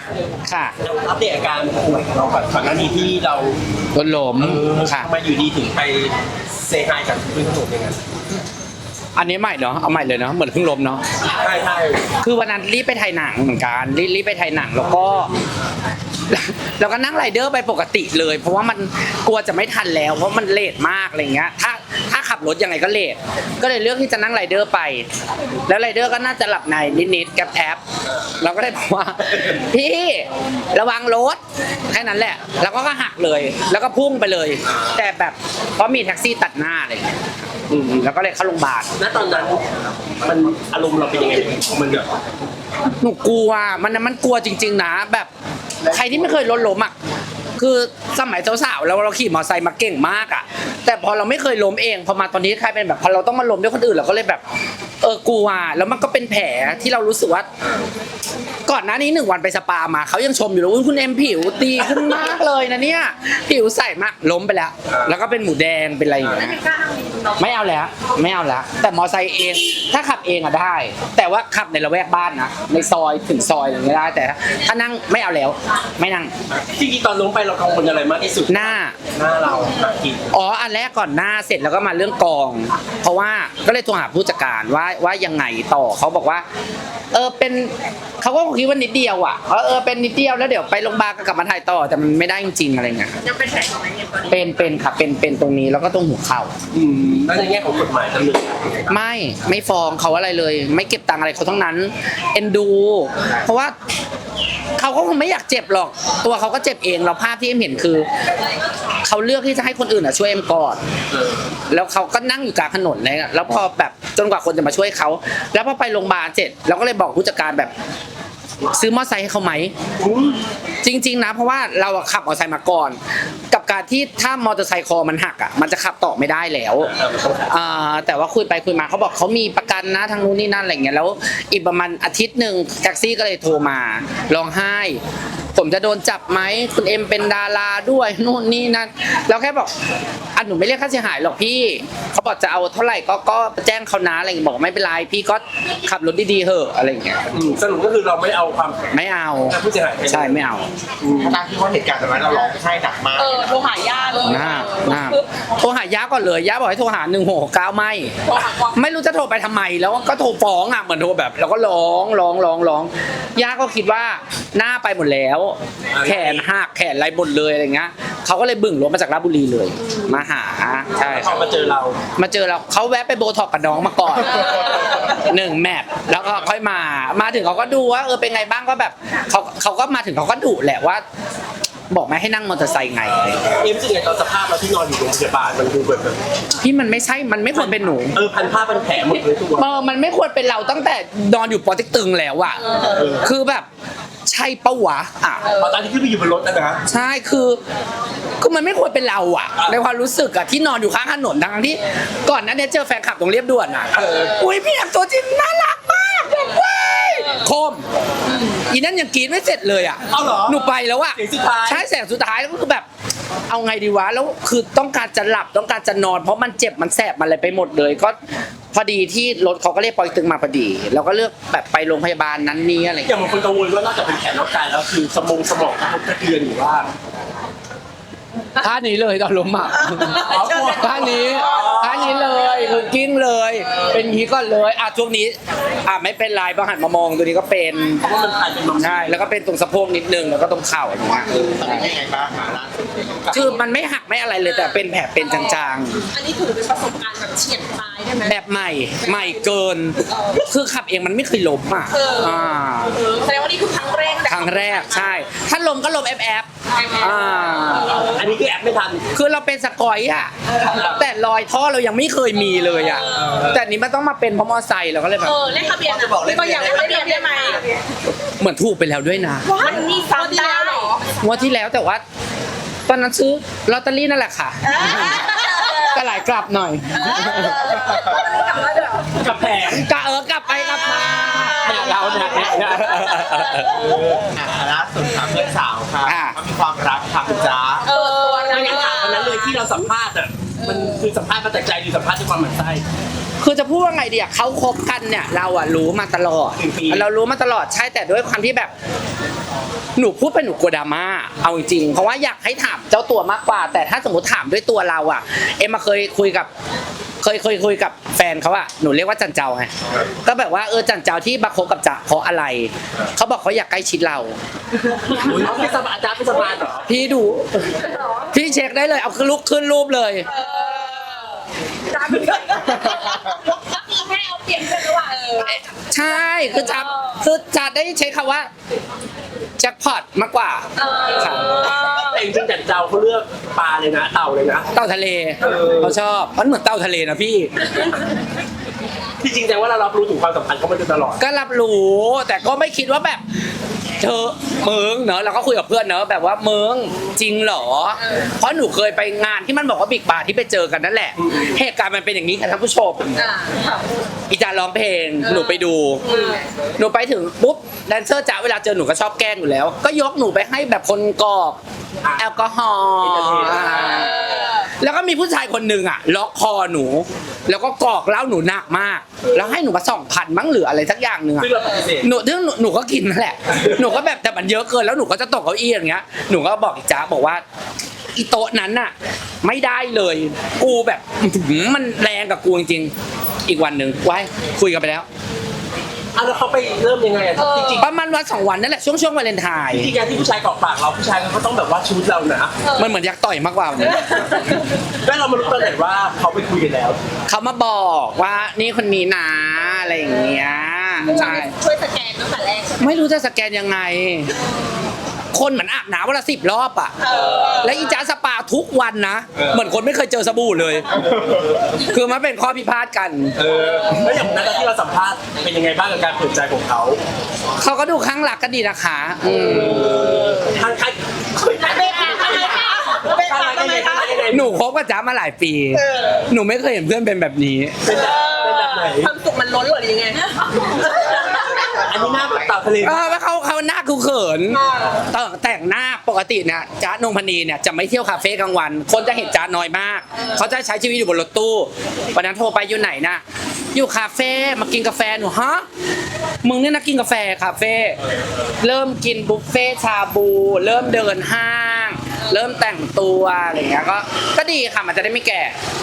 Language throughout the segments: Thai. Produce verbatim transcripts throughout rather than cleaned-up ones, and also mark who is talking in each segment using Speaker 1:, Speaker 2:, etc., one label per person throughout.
Speaker 1: ค่ะ
Speaker 2: อัปเดตอาการป่วยของเราก่อนก่อนหน้านี้ที่เรา
Speaker 1: รถล้มค่ะ
Speaker 2: ทำไมอยู่ดีถึงไปเซฮายกับพื้นถนนอย่างนั้น
Speaker 1: อันนี้ใหม่เนาะเอาใหม่เลยเนาะเหมือนเพิ่งล้มเนาะ
Speaker 2: ใช่ใช่
Speaker 1: คือวันนั้นรีบไปถ่ายหนังเหมือนกันรีบรีบไปถ่ายหนังแล้วก็ แล้วก็นั่งไรเดอร์ไปปกติเลย เพราะว่ามันกลัวจะไม่ทันแล้วเพราะมันเลทมากอะไรเงี้ยถ้าถ้าขับรถยังไงก็เลทก็เลยเลือกที่จะนั่งไรเดอร์ไป แล้วไรเดอร์ก็น่าจะหลับในนิดๆแกบแท็บเราก็เลยบอกว่า พี่ระวังรถแค่นั้นแหละ แล้วก็หักเลย แล้วก็พุ่งไปเลย แต่แบบเพราะมีแท็กซี่ตัดหน้าอะไรเงี้ยอืมแล้วก็เลยเข้าโรงพยาบาล
Speaker 2: ณตอนนั้นมันอารมณ์เราเป็นยังไงมันแบบ
Speaker 1: หนูกลัวมันมันกลัวจริงๆนะแบบใครที่ไม่เคยรถล้มอ่ะคือสมัยสาวๆเราเราขี่มอเตอร์ไซค์มาเก่งมากอ่ะแต่พอเราไม่เคยล้มเองพอมาตอนนี้ใครเป็นแบบพอเราต้องมาล้มด้วยคนอื่นเราก็เลยแบบเออกลัวแล้วมันก็เป็นแผลที่เรารู้สึกว่าก่อนหน้านี้หนึ่งวันไปสปามาเขายังชมอยู่เลยว่าคุณเอ็มผิวดีขึ้นมากเลยนะเนี่ยผิวใสมากล้มไปแล้ว แล้วก็เป็นหมูแดงเป็นอะไรอย่างเงี้ยไม่เอาแล้วไม่เอาแล้วแต่มอเตอร์ไซค์เองถ้าขับเองอะได้ แต่ว่าขับในละแวกบ้านนะในซอยถึงซอยอะไรอย่างเงี้ยได้แต่ถ้านั่งไม่เอาแล้วไม่นั่ง
Speaker 2: จริงๆตอนล้มไปเรากังวลอะไรมากที่สุด
Speaker 1: หน้า
Speaker 2: หน้าเรากิน
Speaker 1: อ๋ออันแรกก่อนหน้าเสร็จแล้วก็มาเรื่องกอง เพราะว่าก็เลยโทรหาผู้จัดการว่าว่ายังไงต่อเขาบอกว่าเออเป็นเขาก็คิดว่านิดเดียวอ่ะเออเออเป็นนิดเดียวแล้วเดี๋ยวไปโรงพยาบาลก็กลับมาถ่ายต่อแต่มันไม่ได้จริงๆอะไรเงี้ย
Speaker 3: ยังเป็นแผลของไอ้เนี่ยตอนนี้
Speaker 1: เป็นเป็นค่ะเป็นเป็นตรงนี้แล้วก็ตรงหัวเข่า
Speaker 2: อืมแล้วในแง่ของกฎหมายดำเนิน
Speaker 1: ไม่ไม่ฟ้องเขาอะไรเลย ไม่เก็บตังค์อะไรเขาทั้งนั้นเอ็นดู เพราะว่าเขาก็คงไม่อยากเจ็บหรอก ตัวเขาก็เจ็บเองเราภาพที่เอ็มเห็นคือเขาเลือกที่จะให้คนอื่นอ่ะช่วยเอ็มก่อนแล้วเขาก็นั่งอยู่กลางถนนเลยอะแล้วพอแบบจนกว่าคนจะมาช่วยเขาแล้วพอไปโรงพยาบาลเสร็จเราก็เลยบอกผู้จัดการแบบซื้อมอเตอร์ไซค์ให้เขาไหมจริงๆนะเพราะว่าเราอะขับมอเตอร์ไซค์มาก่อน กับการที่ถ้ามอเตอร์ไซค์คอมันหักอ่ะมันจะขับต่อไม่ได้แล้วอ่าแต่ว่าคุยไปคุยมาเขาบอกเขามีประกันนะทางนู้นนี่นั่นอะไรเงี้ยแล้วอีกประมาณอาทิตย์หนึ่งแท็กซี่ก็เลยโทรมาร้องไห้ ผมจะโดนจับไหมคุณเอ็มเป็นดาราด้วยนู่นนี่นั่นแล้วแค่บอกอันหนูไม่เรียกค่าเสียหายหรอกพี่เขาบอกจะเอาเท่าไหร่ก็ก็แจ้งเขานะอะไรเงี้ยบอกไม่เป็นไรพี่ก็ขับรถดีๆเหอะอะไรเงี้ย
Speaker 2: อืมสรุปก็คือเราไม่เอาความ
Speaker 1: ไม่เอา
Speaker 2: ผู้เสียหายไป
Speaker 1: ใช่ไม่เอา
Speaker 4: การที่ว่าเหตุการณ์แบบนั้นเราร้องไห้หนักมาก
Speaker 3: เออโทรหาญาติเลย
Speaker 1: หน้าหน้าโทรหาย่าก่อนเลยย่าบอกให้โทรหาหนึ่งหกเก้าไม่
Speaker 3: โทรหาความ
Speaker 1: ไม่รู้จะโทรไปทำไมแล้วก็โทรฟ้องอ่ะเหมือนโทรแบบแล้วก็ร้องร้องร้องร้องย่าก็คิดว่าหน้าไปหมดแล้ว แขนหักแขนไรหมดเลยอะไรเงี้ยเขาก็เลยบึ่งรถมาจากราชบุรีเลย มาหาใช่
Speaker 2: พอมาเจอเรา
Speaker 1: มาเจอเราเขาแวะไปโบท็อกกับน้องมาก่อนหนึ่งแมทแล้วก็ค่อยมามาถึงเขาก็ดูว่าเออเป็นไงบ้างก็แบบเขาเขาก็มาถึงเขาก็ดุแหละว่า บอกไม่ให้นั่งมอเตอร์ไซค์ไง
Speaker 2: เอ็มรู้สึกไงตอนสภาพเราที่นอนอยู่โรงพยาบาลมันดูแบบแบบ
Speaker 1: พี่มันไม่ใช่มันไม่ควรเป็นหนู
Speaker 2: เออพันผ้าพันแผลหมดเลยตัว
Speaker 1: เออมันไม่ควรเป็นเราตั้งแต่นอนอยู่ปอเต็กตึงแล้วอะคือแบบใช่ปะวะอ่ะ
Speaker 2: พอตอนที่ขึ้นไปอยู่บนรถนะนะ
Speaker 1: ใช่คือคือมันไม่ควรเป็นเราอะในความรู้สึกอะที่นอนอยู่ข้างถนนทั้งที่ก่อนหนั้นเนี่ยเจอแฟนคลับตรงเรียบด่วนอะอุ้ยพี่แอมตัวจริงน่ารักมากแบบเว้ยคมอีนั่นยังกรีดไม่เสร็จเลยอะ
Speaker 2: เอาเหรอ
Speaker 1: หนูไปแล้วอะ
Speaker 2: เสียงสุดท้าย
Speaker 1: ใช่แสงสุดท้ายแล้วก็คือแบบเอาไงดีวะแล้วคือต้องการจะหลับต้องการจะนอน เพราะมันเจ็บมันแสบมันอะไรไปหมดเลยก็พอดีที่รถเขาก็เรียกปอยตึงมาพอดีเราก็เลือกแบบไปโรงพยาบาลนั้นนี้อะไร
Speaker 2: อย่างบางคนกังวลว่านอกจากเป็นแผลนอกกายแล้วคือสมองสมองกระทบกระเทือนหรือว่า
Speaker 1: ท่านี้เลยตอนล้มอ่ะท่านี้ท่านี้เลยคือกิ้งเลย เป็นอย่างนี้ก่อนเลยอ่ะช่วงนี้อ่ะไม่เป็นไรพอหันมามองตัวนี้ก็เป็น
Speaker 2: เพราะว่ามันกลายเป็นมัม
Speaker 1: ใช่แล้วก็เป็นตรงสะโพกนิดนึงแล้วก็ตรงเข่าอย่างเงี้ย
Speaker 4: ตอนนี้ยังไงบ้างมาล่าสุด
Speaker 1: คือมันไม่หักไม่อะไรเลยแต่เป็นแผลเป็นจาง
Speaker 3: อันนี้ถือเป็นประสบการณ์แบบเฉียดตายได้ไหม
Speaker 1: ๆแบบใหม่ใหม่เกิน คือขับเองมันไม่เคยล้มอ่ะ
Speaker 3: เออ
Speaker 1: อ่า
Speaker 3: เออแสดงว่านี่คือครั้งแรก
Speaker 1: ครั้งแรกใช่ ถ้าล้มก็ล้มแอบแอบอ่า
Speaker 2: อันนี้คือแอปไม่ทัน
Speaker 1: คือเราเป็นสกอยอ่ะแต่รอยท่อเรายังไม่เคยมีเลยอ่ะแต่นี้มันต้องมาเป็นเพราะมอไซค์เราก็เลยแบบ
Speaker 3: เออเลขทะเบียนจะบอกเลขทะเบียนเลขทะเบียนได้ไหม
Speaker 1: เหมือนถูกไปแล้วด้วยนะ
Speaker 3: มันมีซ้ำได้เหรอง
Speaker 1: วดที่แล้วแต่ว่า ตอนนั้นซื้อลอตเตอรี่นั่นแหละค่ะก็หลายกลับหน่อย
Speaker 3: กลับมาเดี๋ยว
Speaker 2: กับแผล
Speaker 1: กะเออกลับไปกลับมาเนี่ยเราเนี่ยเนี่ย
Speaker 4: อ่าล่าสุดค่ะเพื่อนสาวค่ะ
Speaker 1: อ่า
Speaker 4: เขามีความรักค่ะคุณจ๊ะ
Speaker 3: เออตัว
Speaker 2: ไม่
Speaker 3: นั้น
Speaker 2: งั้นถามวันนั้นเลยที่เราสัมภาษณ์อ่ะมันคือสัมภาษณ์มาจากใจหรือสัมภาษณ์ด้วยความหมั่นไส้
Speaker 1: คือจะพูดว่าไงดีอะเขาคบกันเนี่ยเราอะรู้มาตลอด
Speaker 2: หนึ่งปี
Speaker 1: เรารู้มาตลอดใช่แต่ด้วยความที่แบบหนูพูดไปหนูกลัวดราม่าเอาจริงๆเพราะว่าอยากให้ถามเจ้าตัวมากกว่า แต่ถ้าสมมติถามด้วยตัวเราอ่ะ เอ็มมาเคยคุยกับเคยเคยคุยกับแฟนเขาอะหนูเรียกว่าจันเจ้าไงก็แบบว่าเออจันเจ้าที่มาคบกับจ๊ะเพราะอะไรเขาบอกเขาอยากใกล้ชิดเรา
Speaker 2: อุ๊ยเขาเป็นสมาอาจารย์เป็นสมาเหรอ
Speaker 1: พี่ดูพี่เช็คได้เลยเอาลุกขึ้นรูปเลย
Speaker 3: จ้าเป็นก็คือให้เอาเปรียบกันระหว่างเออ
Speaker 1: ใช่คือจะคือจะได้ใช้คำว่าแจ็คพอตมากกว่าค่ะ
Speaker 2: แต่จริงๆจันเจ้าเขาเลือกปลาเลยนะเต่าเลยนะ
Speaker 1: เต่าทะเลเขาชอบมันเหมือนเต่าทะเลนะพี่
Speaker 2: ที่จริงแต่ว่าเรารับรู้ถึงความสัมพันธ์เขามาโดยตลอด
Speaker 1: ก็รับรู้แต่ก็ไม่คิดว่าแบบเธอมึงเนอะเราก็คุยกับเพื่อนเนอะแบบว่ามึงจริงเหรอ เพราะหนูเคยไปงานที่มันบอกว่าบิ๊กบาร์ที่ไปเจอกันนั่นแหละเหตุการณ์มันเป็นอย่างนี้ค่ะท่านผู้ชม
Speaker 3: อ่า
Speaker 1: อีจาร้องเพลงหนูไปดู หนูไปถึงปุ๊บแดนเซอร์จ๋าเวลาเจอหนูก็ชอบแกล้งอยู่แล้ว ก็ยกหนูไปให้แบบคนกรอกแอลกอฮอล์แล้วก็มีผู้ชายคนหนึ่งอ่ะล็อกคอหนู แล้วก็กรอกเหล้าหนูหนักมาก แล้วให้หนูมาสองพันมั้งหรืออะไรสักอย่างหนึ่งอ่ะ
Speaker 2: ซึ่งเราปฏิเสธ
Speaker 1: หนูซึ่งหนูหนูก็กินนั่นแหละ หนูก็แบบแต่มันเยอะเกินแล้วหนูก็จะตกเก้าอี้อย่างเงี้ยหนูก็บอกอีจ๋าบอกว่าอีโต๊ะนั้นน่ะไม่ได้เลยกูแบบอื้อหือมันแรงกับกูจริงๆอีกวันหนึ่งไว้คุยกันไปแล้ว
Speaker 2: อ่ะแล้วเขาไปเริ่มยังไงอ่ะจริง
Speaker 1: ประมาณวันสองวันนั่นแหละช่วงช่วงวาเลนไทน์
Speaker 2: ๆที่การที่ผู้ชายเกาะปากเราผู้ชายเขาต้องแบบว่าชูดเรานะ
Speaker 1: มันเหมือนอยากต่อยมากกว่าวันนี้
Speaker 2: แล้วเรามารู้ตอนไหนว่าเขาไปคุยกันแล้ว
Speaker 1: เขามาบอกว่านี่คนนี้นะอะไรอย่างเงี้ยใช่
Speaker 3: ช่วยสแกนตั้งแต่แรกใช่ไหม
Speaker 1: ไม่รู้จะสแกนยังไง คนเหมือนอาบน้ำวันละสิบรอบอ่ะและอีจ้าสปาทุกวันนะเหมือนคนไม่เคยเจอสบู่เลย คือมันเป็นข้อพิพาทกัน
Speaker 2: เออแล้วอย่างนั้นที่เราสัมภาษณ์เป็นยังไงบ้างกับการเปิดใจของเขา
Speaker 1: เขาก็ดูข้างหลักกันดีนะคะอืม
Speaker 2: ทางใคร
Speaker 3: เป็นไงทำไมคะเป็นไงทำไมคะ
Speaker 1: หนูคบกับจ้ามาหลายปี หนูไม่เคยเห็นเพื่อนเป็นแบบนี้
Speaker 2: เป็นแบบเป็นแบบไหน
Speaker 3: ความสุขมันล้นหรือยังไง
Speaker 2: อันนี้หน้าแบบเต่าทะเล
Speaker 1: เออว่าเขาเขาหน้าคือเขินแต่แต่งหน้าปกติเนี่ยจ๊ะนงพนีเนี่ยจะไม่เที่ยวคาเฟ่กลางวัน คนจะเห็นจ๊ะน้อยมาก เขาจะใช้ชีวิตอยู่บนรถตู้วันนั้นโทรไปอยู่ไหนนะอยู่คาเฟ่มากินกาแฟหนูฮะมึงเนี่ยนะกินกาแฟคาเฟ่เริ่มกินบุฟเฟ่ชาบู เริ่มเดินห้าง เริ่มแต่งตัวอะไรอย่างเงี้ยก็ก็ดีค่ะมันจะได้ไม่แก่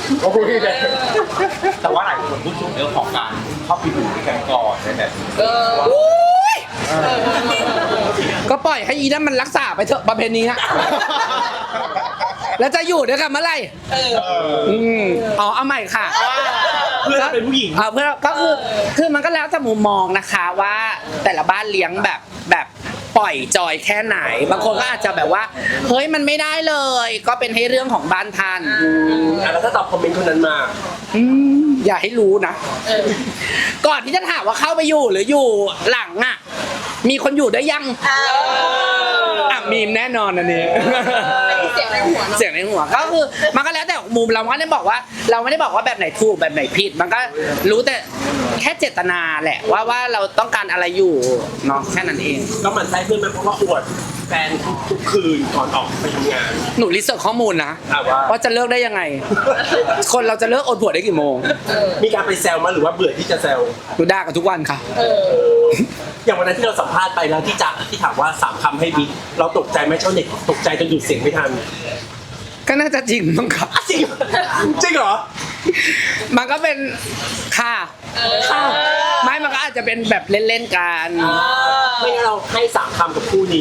Speaker 4: แต่ว่าหลายคนพูดถึงเรื่องของการเข้าไปดูด้วยกันก่อนในแบบนี้
Speaker 1: อุ๊ยก็ปล่อยให้อีนั่นมันรักษาไปเถอะประเพณีฮะ แล้วจะอยู่ด้วยกันเมื่อไหร่อืมอ๋อเอาใหม่ค่ะ
Speaker 2: เพื่อนเป็นผู้หญิง
Speaker 1: อ่าเพื่อนก็คือคือมันก็แล้วแต่มุมมองนะคะว่าแต่ละบ้านเลี้ยงแบบแบบปล่อยจอยแค่ไหน บางคนก็อาจจะแบบว่าเฮ้ยมันไม่ได้เลย ก็เป็นให้เรื่องของบ้านท่านอืม
Speaker 2: อ่ะแล้วถ้าตอบคอมเมนต์คนนั้นมา
Speaker 1: อืมอย่าให้รู้นะก่อนที่จะถามว่าเข้าไปอยู่หรืออยู่หลังอ่ะมีคนอยู่ได้ยังอ่ะมีมแน่นอนอันนี้
Speaker 3: เสียงในหัวเนาะ
Speaker 1: เสียงในหัวก็คือมันก็แล้วแต่มุมเราไม่ได้บอกว่า เราไม่ได้บอกว่าแบบไหนถูกแบบไหนผิด มันก็รู้แต่แค่เจตนาแหละว่าว่าเราต้องการอะไรอยู่เนาะแค่นั้นเอง
Speaker 2: ก็หมันไส้เพื่อนไหมเพราะว่าอวดแฟนทุกทุกคืนก่อนออกไปทำงาน
Speaker 1: หนูรีเสิร์ชข้อมูลนะ
Speaker 2: อ่ะว่า
Speaker 1: ว่าจะเลิกได้ยังไง คนเราจะเลิกอดผัวได้กี่โมง
Speaker 2: มีการไปแซวมาหรือว่าเบื่อที่จะแซว
Speaker 1: หนูด่ากันทุกวันค่ะ
Speaker 2: อย่างวันนั้นที่เราสัมภาษณ์ไปแล้วที่จะที่ถามว่าสามคำให้บิ๊กเราตกใจไหมชาวเน็ตตกใจจนหยุดเสียงไม่ทัน
Speaker 1: ก็น่าจะจริงมั้งครับ
Speaker 2: จริงจริงเหรอ
Speaker 1: มันก็เป็นค่ะค่ะไม่มันก็อาจจะเป็นแบบเล่นๆกัน
Speaker 2: ไม่งั้นเราให้สามคำกับคู่นี้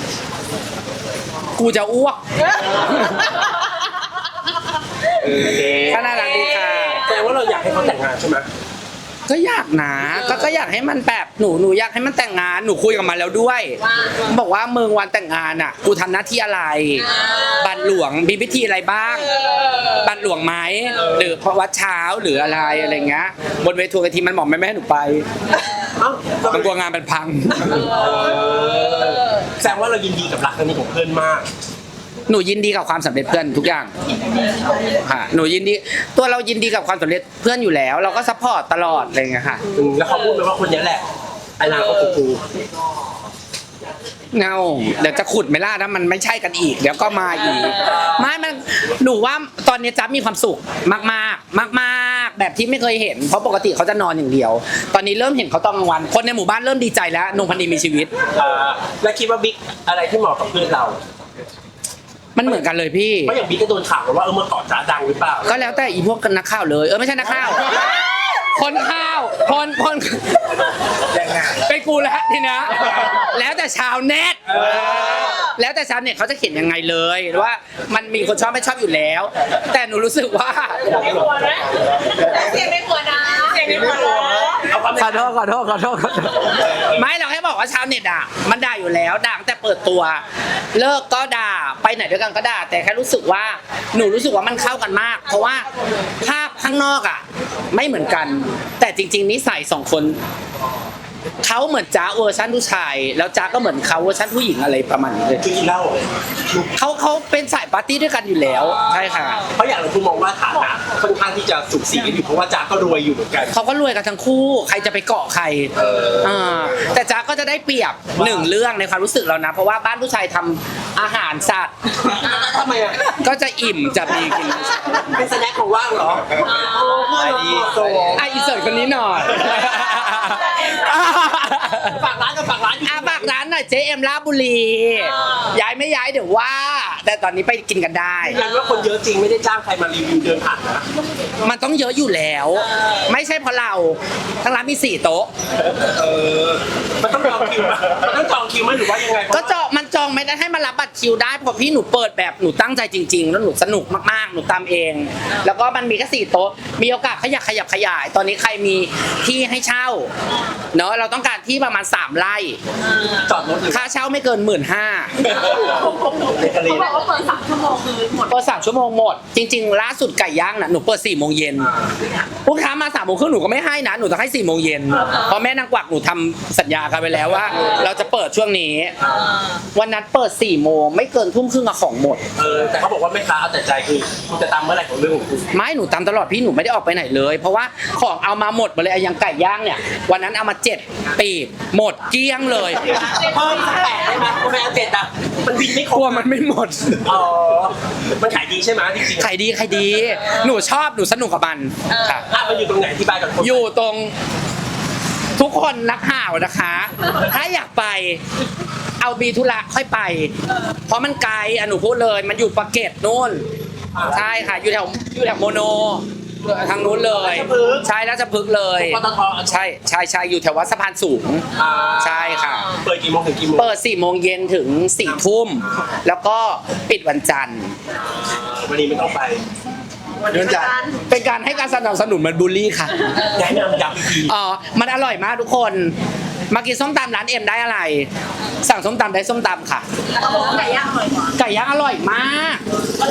Speaker 1: กูจะอ้วก
Speaker 2: โอเค
Speaker 1: ก็น่ารักดีค่ะ
Speaker 2: แสดงว่าเราอยากให้เขาแต่งงานใช่ไหม
Speaker 1: ก็อยากนะก็ก็อยากให้มันแบบหนูหนูอยากให้มันแต่งงานหนูคุยกับมันแล้วด้วย บอกว่ามึงวันแต่งงานอ่ะ กูทำหน้าที่อะไร บัตรหลวงมีพิธีอะไรบ้าง บัตรหลวงไหมหรือวัดเช้าหรืออะไรอะไรเงี้ยบนเวทีกะทีมันบอกไม่แม่ให้หนูไป
Speaker 2: เอ้า
Speaker 1: มันกลัวงานมันพัง
Speaker 2: แสดงว่าเรายินดีกับรักครั้งนี้ของเพื่อนมาก
Speaker 1: หนูยินดีกับความสำเร็จเพื่อนทุกอย่างค่ะหนูยินดีตัวเรายินดีกับความสำเร็จเพื่อนอยู่แล้ว เราก็ซัพพอร์ตตลอดอะไรเงี้ยค่ะ
Speaker 2: อืมแล้วเขาพูดไหมว่าคนนี้แหละอนาคตของกู
Speaker 1: เงาเดี๋ยวจะขุดไม่ล่าถ้ามันไม่ใช่กันอีก เดี๋ยวก็มาอีกไม่มันหนูว่าตอนนี้จ๊บมีความสุขมากมากมากมากแบบที่ไม่เคยเห็นเพราะปกติเขาจะนอนอย่างเดียว ตอนนี้เริ่มเห็นเขาตอนกลางวัน คนในหมู่บ้านเริ่มดีใจแล้วนงพันธีมีชีวิต
Speaker 2: อ่าแล้วคิดว่าบิ๊กอะไรที่เหมาะกับเพื่อนเรา
Speaker 1: มันเหมือนกันเลยพี่
Speaker 2: เพราะอย่างบิ๊กก็โดนข่าวว่าเออเมื่อก่อนจ้าดังหรือเปล่า
Speaker 1: ก็แล้วแต่อีพวกนักข่าวเลยเออไม่ใช่นักข่าว คนข่าวคนคน
Speaker 4: ยังไง
Speaker 1: ไปกูแล้วทีเนี้ยแล้วแต่ชาวเน็ตแล้วแต่ชาวเน็ตเขาจะเขียนยังไงเลยว่ามันมีคนชอบไม่ชอบอยู่แล้ว แต่หนูรู้สึกว่า
Speaker 3: ไม่ควรนะเสียงไม่ควรนะเสียงไม่ควรนะ
Speaker 2: เอาความ
Speaker 1: ขอโทษขอโทษขอโทษขอโทษไม่เราแค่บอกว่าชาวเน็ตอ่ะมันด่าอยู่แล้วด่าตั้งแต่เปิดตัว เลิกก็ด่าไปไหนด้วยกันก็ด่า แต่แค่รู้สึกว่าหนูรู้สึกว่ามันเข้ากันมาก เพราะว่าภาพข้างนอกอ่ะไม่เหมือนกัน แต่จริง ๆนิสัยสองคนเขาเหมือนจ้าเวอร์ชันผู้ชาย แล้วจ้าก็เหมือนเขาเวอร์ชันผู้หญิงอะไรประมาณนี้เลย
Speaker 2: คือกินเหล้า
Speaker 1: เขาเขาเป็นสายปาร์ตี้ด้วยกันอยู่แล้วใช่ค่ะ
Speaker 2: เพราะอย่างเราคุณมองว่าฐานะค่อนข้างที่จะสุขสีกันอยู่เพราะว่าจ้าก็รวยอยู่เหมือนกัน
Speaker 1: เขาก็รวยกันทั้งคู่ ใครจะไปเกาะใครอ่าแต่จ๊ะก็จะได้เปรียบหนึ่งเรื่องในความรู้สึกเรานะ เพราะว่าบ้านผู้ชายทำอาหารสัตว์
Speaker 2: ทำไมอ่ะ
Speaker 1: ก็จะอิ่มจะมีกิน
Speaker 2: เป็นสแน็คของว่างเหรอเพื่อนเราโต
Speaker 1: อ่ะอีเสิร์ตคนนี้หน่อย
Speaker 2: ฝากร้านกับฝากร้านอยู่
Speaker 1: อ่ะฝากร้านหน่อยเจเอ็มลาดบุรี ย้ายไม่ย้ายเดี๋ยวว่า แต่ตอนนี้ไปกินกันได้
Speaker 2: ยันว่าคนเยอะจริงไม่ได้จ้างใครมารีวิวเดินผ่านนะ
Speaker 1: มันต้องเยอะอยู่แล้ว ไม่ใช่เพราะเราทั้งร้านมีสี่โต๊ะ
Speaker 2: เออมันต้องจองคิวไหมมันต้องจองคิวไหมหรือว่ายังไง
Speaker 1: ก็จองมันจองไม่ได้ให้มารับบัตรคิวได้เพราะพี่หนูเปิดแบบหนูตั้งใจจริง ๆ แล้วหนูสนุกมากๆหนูตามเอง แล้วก็มันมีแค่สี่โต๊ะมีโอกาสขยับขยับขยาย ตอนนี้ใครมีที่ให้เช่าเนาะเราต้องการที่ประมาณสามไร่
Speaker 2: จอดรถหรือ
Speaker 1: ค่าเช่าไม่เกินหมื่นห้า
Speaker 2: เด็กกะลี
Speaker 3: เขาบอกว่าเปิดสามชั่วโมงคือหมด
Speaker 1: เปิดสามชั่วโมงหมด จริง ๆ ล่าสุดไก่ย่างน่ะหนูเปิดสี่โมงเย็นลูกค้ามาสามโมงครึ่งหนูก็ไม่ให้นะหนูต้องให้สี่โมงเย็นเพราะแม่นางกวักหนูทำสัญญากันไปแล้วว่า เราจะเปิดช่วงนี้ วันนั้นเปิดสี่โมงไม่เกินทุ่มครึ่งอะของหมด
Speaker 2: เออแต่เขาบอกว่าไม่ค้าเอาแต่ใจคือคุณจะตามเมื่อไหร่ของเรื่องของคุณ
Speaker 1: ไม่หนูตามตลอดพี่หนูไม่ได้ออกไปไหนเลย เพราะว่าของเอามาหมดหมดเลยไอ้อยังไก่ย่างเนี่ยวันนั้นเอามาเจ็ดปีบหมดเกลี้ยงเลย
Speaker 2: เพิ่มสักแปดได้ไหมทำไมเอาเจ็ดอ่ะมันบินไม่คร
Speaker 1: ก
Speaker 2: บ
Speaker 1: ลัวมันไม่หมด
Speaker 2: อ๋อมันขายดีใช่ไหมจริงๆ
Speaker 1: ขายดีขายดี หนูชอบหนูสนุกกับมันค่ะ
Speaker 2: อ่ะมันอยู่ตรงไหนที่บ้านกับคน
Speaker 1: อยู่ตรงทุกคนนักข่าวนะคะ ถ้าอยากไปเอาบีธุระค่อยไป เพราะมันไกลอ่ะหนูพูดเลย มันอยู่ปากเกร็ดนู่นใช่ค่ะอยู่แถวอยู่แถวโมโนทางนู้นเลย ใช่แล้วจะพึกษ์เลย
Speaker 2: ปตท
Speaker 1: ใช่ใช่ใช่อยู่แถววัดสะพานสูง
Speaker 2: อ่า
Speaker 1: ใช่ค่ะ
Speaker 2: เปิดกี่โมงถึงกี่โมง
Speaker 1: เปิดสี่โมงเย็นถึงสี่ทุ่มแล้วก็ปิดวันจันทร์
Speaker 2: วันนี้ไม่ต้องไป
Speaker 4: เดินจาก
Speaker 1: เป็นการให้การสนับสนุนมันบูลลี่ค่ะ
Speaker 2: แนะนำย้ำอีกที
Speaker 1: อ๋อ มันอร่อยมากทุกคน มากินส้มตำร้านเอ็มได้อะไร สั่งส้มตำได้ส้มตำค่ะ
Speaker 3: เขาบอกว่าไก่ย่างอร่อยกว่า
Speaker 1: ไก่ย่างอร่อยมาก
Speaker 3: ก็